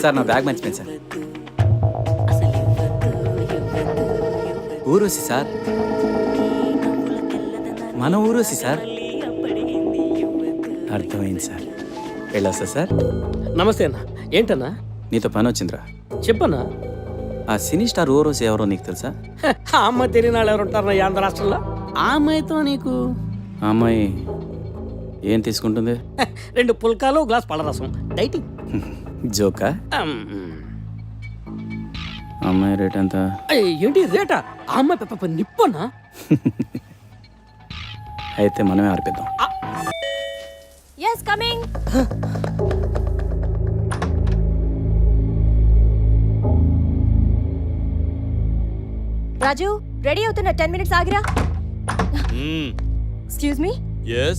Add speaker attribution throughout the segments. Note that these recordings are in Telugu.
Speaker 1: సార్ నా బ్యాగ్ మర్చిపోయింది సార్. ఊరూసి సార్, మన ఊరూసి సార్. అర్థమైంది సార్. వెళ్ళొస్తా సార్.
Speaker 2: నమస్తే అన్న. ఏంటన్నా?
Speaker 1: నీతో పని వచ్చిందిరా.
Speaker 2: చెప్పన్నా.
Speaker 1: ఆ సినీ స్టార్ ఊరూసి ఎవరో నీకు తెలుసా?
Speaker 2: ఆ అమ్మాయి తెలియని వాళ్ళు ఎవరు ఉంటారు ఆంధ్ర రాష్ట్రంలో? ఆ అమ్మాయితో నీకు
Speaker 1: ఆ అమ్మాయి ఏం తీసుకుంటుంది?
Speaker 2: 2 పుల్కాలు గ్లాస్ పళ్ళరసం డైటింగ్.
Speaker 1: జోకా? అమ్మాయి రేట్ ఎంత?
Speaker 2: ఏంటి రేటా? ఆ అమ్మాయి పెప్ప నిప్పనా?
Speaker 1: అయితే మనమే ఆర్పిద్దాం.
Speaker 3: Yes, coming. రాజు, రెడీ అవుతున్న 10 minutes ఆగిరా. Excuse me?
Speaker 4: Yes.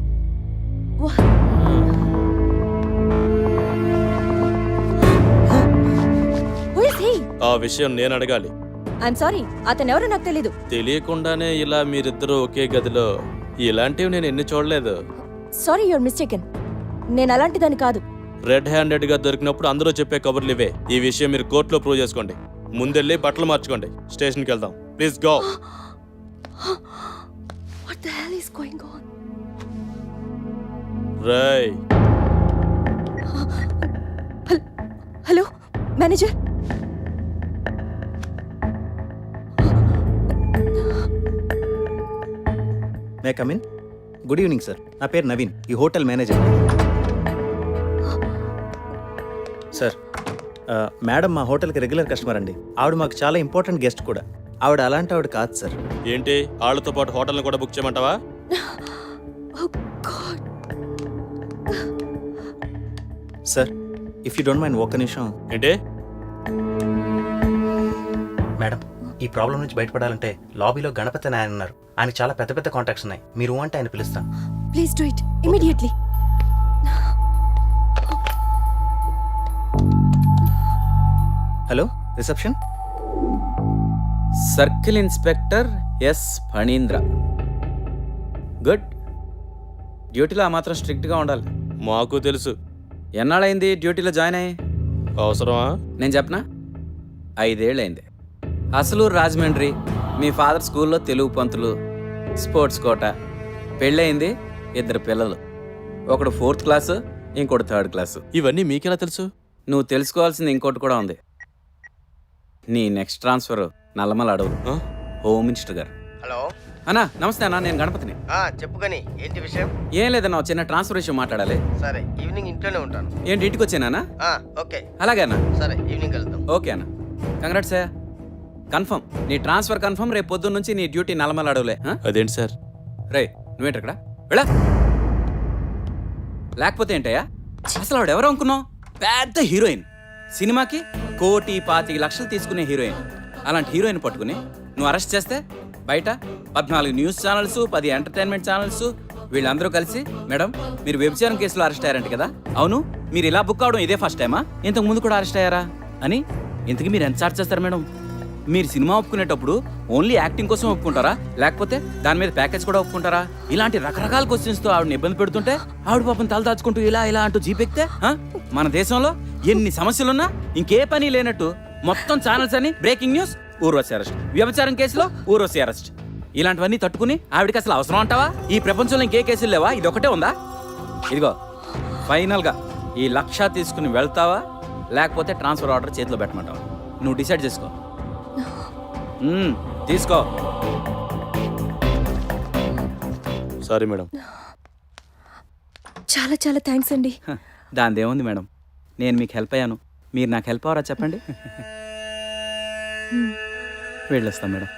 Speaker 3: Who is he?
Speaker 4: ఆ విషయం నేను అడగాలి.
Speaker 3: I'm sorry. అతను ఎవరో నాకు తెలీదు.
Speaker 4: తెలియకుండానే ఇలా మీరిద్దరూ ఒకే గదిలో ఇలాంటివి నేను ఎన్ని చూడలేదు.
Speaker 3: Sorry, you're mistaken. నేను అలాంటి దాన్ని కాదు.
Speaker 4: రెడ్ హ్యాండెడ్ గా దొరికినప్పుడు అందరూ చెప్పే కబుర్లు ఇవే. ఈ విషయం మీరు కోర్టులో ప్రూవ్ చేసుకోండి. ముందెళ్ళి బట్టలు మార్చుకోండి. స్టేషన్కి వెళ్దాం. Please go.
Speaker 3: What the hell is going on?
Speaker 4: రై.
Speaker 3: Hello manager.
Speaker 5: May come in? Good evening sir. నా పేరు నవీన్, ఈ హోటల్ మేనేజర్. సార్, మేడం మా హోటల్కి రెగ్యులర్ కస్టమర్ అండి. ఆవిడ మాకు చాలా ఇంపార్టెంట్ గెస్ట్ కూడా. ఆవిడ అలాంటి ఆవిడ కాదు సార్.
Speaker 4: ఏంటి వాళ్ళతో పాటు హోటల్ని కూడా బుక్ చేయమంటావా?
Speaker 3: Oh God.
Speaker 5: Sir, if you don't mind ఒక్క నిమిషం.
Speaker 4: ఏంటి?
Speaker 5: మేడం, ఈ ప్రాబ్లం నుంచి బయటపడాలంటే లాబీలో గణపతి నాయన ఉన్నారు. ఆయన చాలా పెద్ద పెద్ద కాంటాక్ట్స్ ఉన్నాయి. మీరు అంటే ఆయన పిలుస్తాను.
Speaker 3: Please do it immediately.
Speaker 5: Hello, reception.
Speaker 1: Circle inspector S Phanindra. Good. డ్యూటీలో ఆ మాత్రం స్ట్రిక్ట్గా ఉండాలి.
Speaker 4: మాకు తెలుసు.
Speaker 1: ఎన్నాళ్ళైంది డ్యూటీలో జాయిన్ అయ్యి?
Speaker 4: అవసరమా?
Speaker 1: నేను చెప్పనా? 5 ఏళ్ళైంది. అసలు రాజమండ్రి. మీ ఫాదర్ స్కూల్లో తెలుగు పంతులు, స్పోర్ట్స్ కోట. పెళ్ళయింది, 2 పిల్లలు. ఒకడు 4th క్లాసు, ఇంకోటి 3rd క్లాసు.
Speaker 4: ఇవన్నీ మీకెలా తెలుసు?
Speaker 1: నువ్వు తెలుసుకోవాల్సింది ఇంకోటి కూడా ఉంది. నీ నెక్స్ట్ ట్రాన్స్ఫర్ నల్లమల అడవు. హోమ్ మినిస్టర్ గారు.
Speaker 6: హలో
Speaker 1: అన్నా, నమస్తే అన్నా. నేను గణపతిని.
Speaker 6: చెప్పు కానీ ఏంటి విషయం?
Speaker 1: ఏం లేదన్నా, చిన్న ట్రాన్స్ఫర్ విషయం మాట్లాడాలి.
Speaker 6: సరే, ఈవినింగ్ ఇంట్లోనే ఉంటాను.
Speaker 1: ఏంటి ఇంటికి వచ్చానా?
Speaker 6: ఓకే.
Speaker 1: అలాగే అన్నా.
Speaker 6: సరే, ఈవినింగ్ వెళ్దాం.
Speaker 1: ఓకే అన్న. కంగ్రాట్స్ అయ్యా. కన్ఫర్మ్, నీ ట్రాన్స్ఫర్ కన్ఫర్మ్. రేపు పొద్దున్న నుంచి నీ డ్యూటీ నల్లమల అడవులే.
Speaker 4: అదేంటి సార్?
Speaker 1: రే, నువ్వేంటి అక్కడ? వెళ్ళా. లేకపోతే ఏంటయ్యా? అసలు ఆవిడ ఎవరు అనుకున్నావు? పెద్ద హీరోయిన్. సినిమాకి 1,25,00,000 తీసుకునే హీరోయిన్. అలాంటి హీరోయిన్ పట్టుకుని నువ్వు అరెస్ట్ చేస్తే బయట 14 న్యూస్ ఛానల్స్, 10 ఎంటర్టైన్మెంట్ ఛానల్స్ వీళ్ళందరూ కలిసి, మేడం మీరు వ్యభిచారం కేసులో అరెస్ట్ అయ్యారంట కదా? అవును, మీరు ఇలా బుక్ అవడం ఇదే ఫస్ట్ టైమా? ఇంతకు ముందు కూడా అరెస్ట్ అయ్యారా అని. ఇంతకు మీరు ఎంత చార్జ్ చేస్తారు మేడం? మీరు సినిమా ఒప్పుకునేటప్పుడు ఓన్లీ యాక్టింగ్ కోసం ఒప్పుకుంటారా, లేకపోతే దాని మీద ప్యాకేజ్ కూడా ఒప్పుకుంటారా? ఇలాంటి రకరకాల క్వశ్చన్స్తో ఆవిడని ఇబ్బంది పెడుతుంటే ఆవిడ పాపం తల దాచుకుంటూ ఇలా ఇలా అంటూ జీపెక్తే, మన దేశంలో ఎన్ని సమస్యలున్నా ఇంకే పని లేనట్టు మొత్తం ఛానల్స్ అని బ్రేకింగ్ న్యూస్, ఊర్వశి అరెస్ట్, వ్యభిచారం కేసులో ఊర్వశి అరెస్ట్, ఇలాంటివన్నీ తట్టుకుని ఆవిడకి అసలు అవసరం అంటావా? ఈ ప్రపంచంలో ఇంకే కేసులు లేవా? ఇది ఒకటే ఉందా? ఇదిగో ఫైనల్గా ఈ 1,00,000 తీసుకుని వెళ్తావా, లేకపోతే ట్రాన్స్ఫర్ ఆర్డర్ చేతిలో పెట్టమంటావా? నువ్వు డిసైడ్ చేసుకో. తీసుకో.
Speaker 4: Sorry madam.
Speaker 3: చాలా చాలా థ్యాంక్స్ అండి.
Speaker 1: దానిదేముంది మేడం, నేను మీకు హెల్ప్ అయ్యాను, మీరు నాకు హెల్ప్ అవరా చెప్పండి. వెళ్ళొస్తాం మేడం.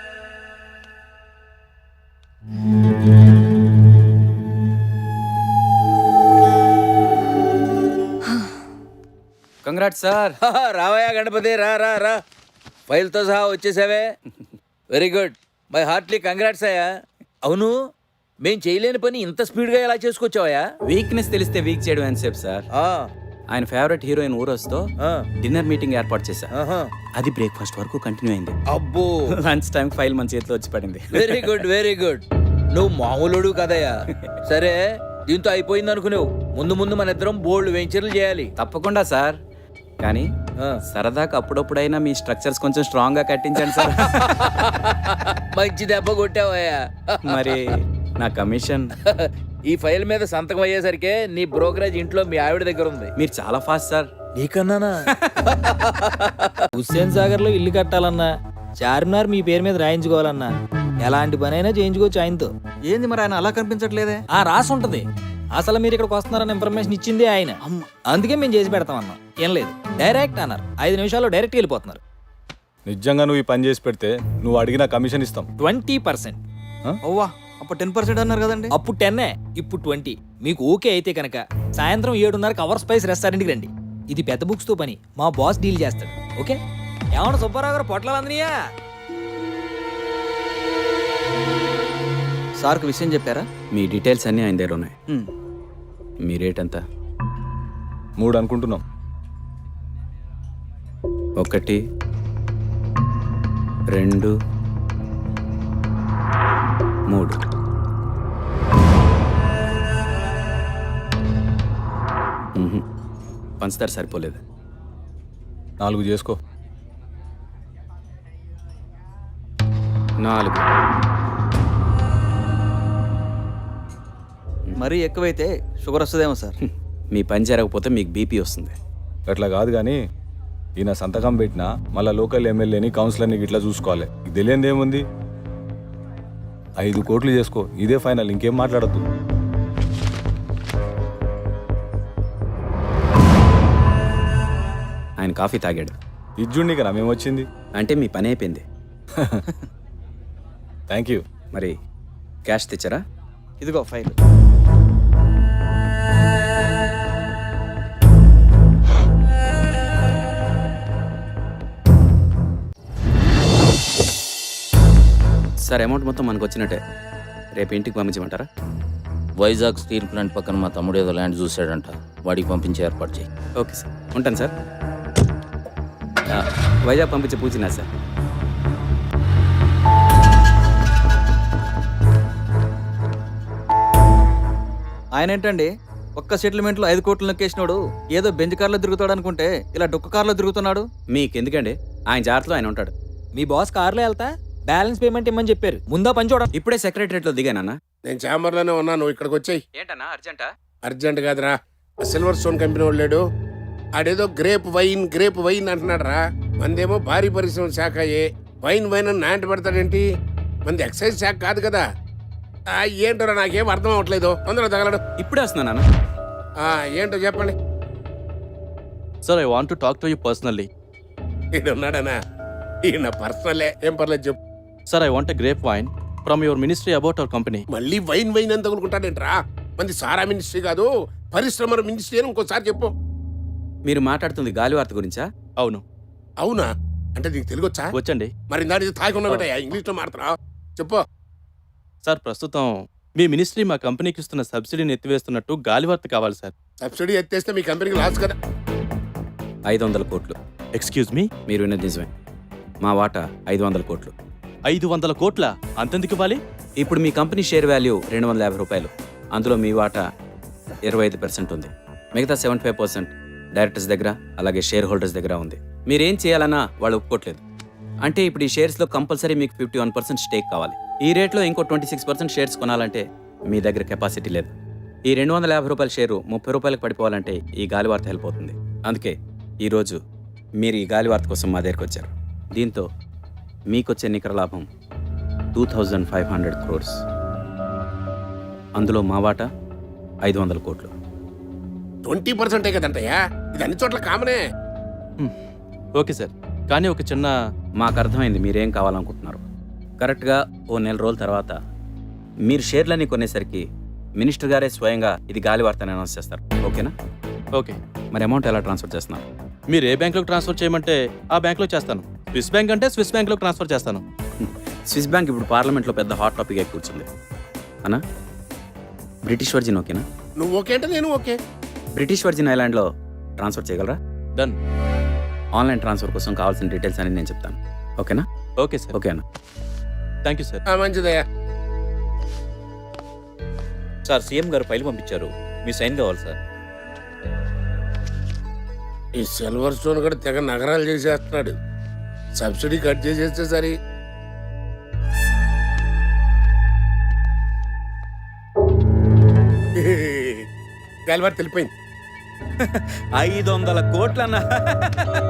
Speaker 1: Congrats sir.
Speaker 7: రావయ్యా గణపతి, రా రా రా. ఫైల్తో సహా వచ్చేసావే. Very good, my heartily congrats అయ్యా. అవును, మేం చేయలేని పని ఇంత స్పీడ్గా ఎలా చేసుకొచ్చావయ్యా?
Speaker 1: వీక్నెస్ తెలిస్తే వీక్ చేయడం అని చెప్పు సార్. ఆయన ఫేవరెట్ హీరోయిన్ ఊరొస్తో డిన్నర్ మీటింగ్ ఏర్పాటు చేశా. అది బ్రేక్ఫాస్ట్ వరకు కంటిన్యూ అయింది.
Speaker 7: అబ్బో,
Speaker 1: లంచ్ టైం ఫైల్ మన చేతిలో వచ్చి పడింది.
Speaker 7: Very good very good. నువ్వు మామూలుడు కదయ్యా. సరే, దీంతో అయిపోయింది అనుకునేవు. ముందు ముందు మన ఇద్దరం బోల్డ్ వెంచర్లు చేయాలి.
Speaker 1: తప్పకుండా సార్. కానీ
Speaker 7: ఆ.
Speaker 1: సరదాకి అప్పుడప్పుడైనా మీ స్ట్రక్చర్స్ కొంచెం స్ట్రాంగ్ గా కట్టించండి సార్.
Speaker 7: మంచి దెబ్బ కొట్టావయ్యా.
Speaker 1: మరి నా కమిషన్.
Speaker 7: ఈ ఫైల్ మీద సంతకం అయ్యేసరికి నీ బ్రోకరేజ్ ఇంట్లో మీ ఆవిడ దగ్గర ఉంది.
Speaker 1: మీరు చాలా ఫాస్ట్ సార్.
Speaker 7: నీకన్నానా?
Speaker 8: హుస్సేన్ సాగర్ లో ఇల్లు కట్టాలన్నా, చార్మినార్ మీ పేరు మీద రాయించుకోవాలన్నా ఎలాంటి పనైనా చేయించుకోవచ్చు ఆయనతో.
Speaker 5: ఏంది మరి ఆయన అలా కనిపించట్లేదే?
Speaker 8: ఆ రాసి ఉంటది. అసలు మీరు ఇక్కడికి వస్తున్నారన్న ఇన్ఫర్మేషన్ ఇచ్చిందే ఆయన. అందుకే మేము చేసి పెడతాం అన్నాం. ఏం లేదు, డైరెక్ట్ అన్నారు. 5 నిమిషాల్లో డైరెక్ట్ వెళ్ళిపోతున్నారు.
Speaker 9: నిజంగా నువ్వు ఈ పని చేసి పెడితే నువ్వు అడిగిన కమిషన్ ఇస్తాం.
Speaker 8: 20%.
Speaker 5: ఓవా, అప్పుడు 10% అన్నారు కదండి.
Speaker 8: అప్పుడు 10, ఇప్పుడు 20. మీకు ఓకే అయితే కనుక సాయంత్రం 7:30 అవర్ స్పైస్ రెస్టారెంట్కి రండి. ఇది పెద్ద బుక్స్ తో పని, మా బాస్ డీల్ చేస్తాడు. ఓకే? ఏమన్నా సుబ్బారావు గారు పొట్లాలు అందనియా?
Speaker 5: సార్కి విషయం చెప్పారా?
Speaker 1: మీ డీటెయిల్స్ అన్నీ ఆయన దగ్గర ఉన్నాయి. మీ రేట్ ఎంత?
Speaker 9: 3 అనుకుంటున్నాం.
Speaker 1: 1, 2, 3. పంచదార సరిపోలేదు.
Speaker 9: 4 చేసుకో.
Speaker 1: 4.
Speaker 5: మరీ ఎక్కువైతే షుగర్ వస్తుందేమో సార్.
Speaker 1: మీ పని జరగకపోతే మీకు బీపీ వస్తుంది.
Speaker 9: అట్లా కాదు కానీ ఈయన సంతకం పెట్టినా మళ్ళీ లోకల్ ఎమ్మెల్యేని కౌన్సిలర్ని ఇట్లా చూసుకోవాలి. ఇది తెలియంది ఏముంది? 5 కోట్లు చేసుకో, ఇదే ఫైనల్, ఇంకేం మాట్లాడద్దు.
Speaker 1: ఆయన కాఫీ తాగాడు
Speaker 9: ఇజ్జుండి కదా మేమొచ్చింది.
Speaker 1: అంటే మీ పని అయిపోయింది.
Speaker 9: Thank you.
Speaker 1: మరి క్యాష్ తెచ్చారా?
Speaker 5: ఇదిగో ఫైల్.
Speaker 1: సార్, అమౌంట్ మొత్తం మనకు వచ్చినట్టే. రేపు ఇంటికి పంపించమంటారా?
Speaker 10: వైజాగ్ స్టీల్ ప్లాంట్ పక్కన మా తమ్ముడు ఏదో ల్యాండ్ చూశాడంట, వాడికి పంపించే ఏర్పాటు చేయి.
Speaker 1: ఓకే సార్, ఉంటాను సార్. వైజాగ్ పంపించే పూచినా సార్.
Speaker 5: ఆయన ఏంటండి ఒక్క సెటిల్మెంట్లో 5 కోట్లు నొక్కేసినోడు ఏదో బెంచ్ కార్లో తిరుగుతాడు అనుకుంటే ఇలా డొక్క కార్లో తిరుగుతున్నాడు.
Speaker 1: మీకెందుకండి? ఆయన జాగ్రత్తలో ఆయన ఉంటాడు.
Speaker 8: మీ బాస్ కార్లో వెళ్తా బ్యాలెన్స్ పేమెంట్ ఇమ్మని చెప్పారు. ముందా పని చూడండి.
Speaker 1: ఇప్పుడే సెక్రటరియట్లో దిగానన్నా.
Speaker 2: నేను ఛాంబర్లోనే ఉన్నాను, ఇక్కడికి వచ్చాయి.
Speaker 1: ఏంటన్నా అర్జెంటా?
Speaker 2: అర్జెంట్ కాదురా, సిల్వర్ స్టోన్ కంపెనీ వాడు లేడు, ఆడేదో గ్రేప్ వైన్ అంటున్నాడు రా. మందేమో భారీ పరిశ్రమ శాఖ వైన్ అని నాంటి పెడతాడేంటి? మంది ఎక్సైజ్ శాఖ కాదు కదా. ఏంటోరా నాకేం అర్థం అవ్వట్లేదు. తొందరగా తగలడు.
Speaker 1: ఇప్పుడే వస్తున్నానా?
Speaker 2: ఏంటో చెప్పండి.
Speaker 4: Sir, I want to talk to you personally.
Speaker 2: ఈడు ఉన్నాడనా? ఈయన పర్సనలే, ఏం పర్లేదు చెప్పు.
Speaker 4: Sir, I want a grape wine from your ministry about our company.
Speaker 2: మళ్ళీ వైన్ అని తగులుకుంటాడేంట్రా? మంది సారా మినిస్ట్రీ కాదు, పరిశ్రమల మినిస్ట్రీ అని ఇంకోసారి చెప్పు.
Speaker 1: మీరు మాట్లాడుతుంది గాలివార్త గురించా?
Speaker 4: అవును.
Speaker 2: అవునా? అంటే నీకు తెలుగు వచ్చా?
Speaker 4: వచ్చండి.
Speaker 2: మరి దాని తాగున్నా బిడ్డ ఇంగ్లీష్లో మాట్లాడుతున్నావు, చెప్పు.
Speaker 4: సార్, ప్రస్తుతం మీ మినిస్ట్రీ మా కంపెనీకి ఇస్తున్న సబ్సిడీని ఎత్తివేస్తున్నట్టు గాలివార్త కావాలి సార్.
Speaker 2: సబ్సిడీ ఎత్తేస్తే మీ కంపెనీకి లాస్ కదా.
Speaker 1: 500 కోట్లు.
Speaker 4: Excuse me?
Speaker 1: మీరు విన్నది నిజమే. మా వాటా 500 కోట్లు.
Speaker 4: 500 కోట్ల? అంతెందుకు ఇవ్వాలి?
Speaker 1: ఇప్పుడు మీ కంపెనీ షేర్ వాల్యూ 250 రూపాయలు. అందులో మీ వాటా 25% ఉంది. మిగతా 75% డైరెక్టర్స్ దగ్గర అలాగే షేర్ హోల్డర్స్ దగ్గర ఉంది. మీరేం చేయాలన్నా వాళ్ళు ఒప్పుకోవట్లేదు. అంటే ఇప్పుడు ఈ షేర్స్లో కంపల్సరీ మీకు 51% స్టేక్ కావాలి. ఈ రేట్లో ఇంకో 26% షేర్స్ కొనాలంటే మీ దగ్గర కెపాసిటీ లేదు. ఈ 250 రూపాయల షేరు 30 రూపాయలకు పడిపోవాలంటే ఈ గాలివార్త హెల్ప్ అవుతుంది. అందుకే ఈరోజు మీరు ఈ గాలివార్త కోసం మా దగ్గరికి వచ్చారు. దీంతో మీకొచ్చే నికర లాభం 2500 crores. అందులో మా వాటా 500 కోట్లు.
Speaker 2: 20% కదంటయ్యా, ఇది అన్ని చోట్ల కామనే.
Speaker 4: ఓకే సార్, కానీ ఒక చిన్న...
Speaker 1: మాకు అర్థమైంది మీరేం కావాలనుకుంటున్నారు. కరెక్ట్గా ఓ 1 నెల రోజుల తర్వాత మీరు షేర్లన్నీ కొనేసరికి మినిస్టర్ గారే స్వయంగా ఇది గాలివార్త అని అనౌన్స్ చేస్తారు. ఓకేనా?
Speaker 4: ఓకే.
Speaker 1: మరి అమౌంట్ ఎలా ట్రాన్స్ఫర్ చేస్తున్నారు?
Speaker 4: మీరు ఏ బ్యాంక్లోకి ట్రాన్స్ఫర్ చేయమంటే ఆ బ్యాంక్లో చేస్తాను. స్విస్ బ్యాంక్ అంటే స్విస్ బ్యాంక్లోకి ట్రాన్స్ఫర్ చేస్తాను.
Speaker 1: స్విస్ బ్యాంక్ ఇప్పుడు పార్లమెంట్లో పెద్ద హాట్ టాపిక్ అయి కూర్చుంది అన్నా. బ్రిటిష్ వర్జిన్ ఓకేనా?
Speaker 2: నువ్వు ఓకే అంటే నేను ఓకే.
Speaker 1: బ్రిటిష్ వర్జిన్ ఐలాండ్లో ట్రాన్స్ఫర్ చేయగలరా?
Speaker 4: డన్.
Speaker 1: ఆన్లైన్ ట్రాన్స్ఫర్ కోసం కావాల్సిన డీటెయిల్స్ అని నేను చెప్తాను. ఓకేనా?
Speaker 4: Okay sir.
Speaker 1: ఓకేనా?
Speaker 4: Thank you sir.
Speaker 2: మంచిదయ్యా.
Speaker 10: సార్, సీఎం గారు ఫైల్ పంపించారు, మీ సైన్ కావాలి సార్.
Speaker 2: ఈ సిల్వర్ స్టోన్ కూడా తెగ నగరాలు చేసేస్తున్నాడు. సబ్సిడీ కట్ చేసేస్తే సరి. గల్వారు తెలిపోయింది.
Speaker 1: 500 కోట్లన్నా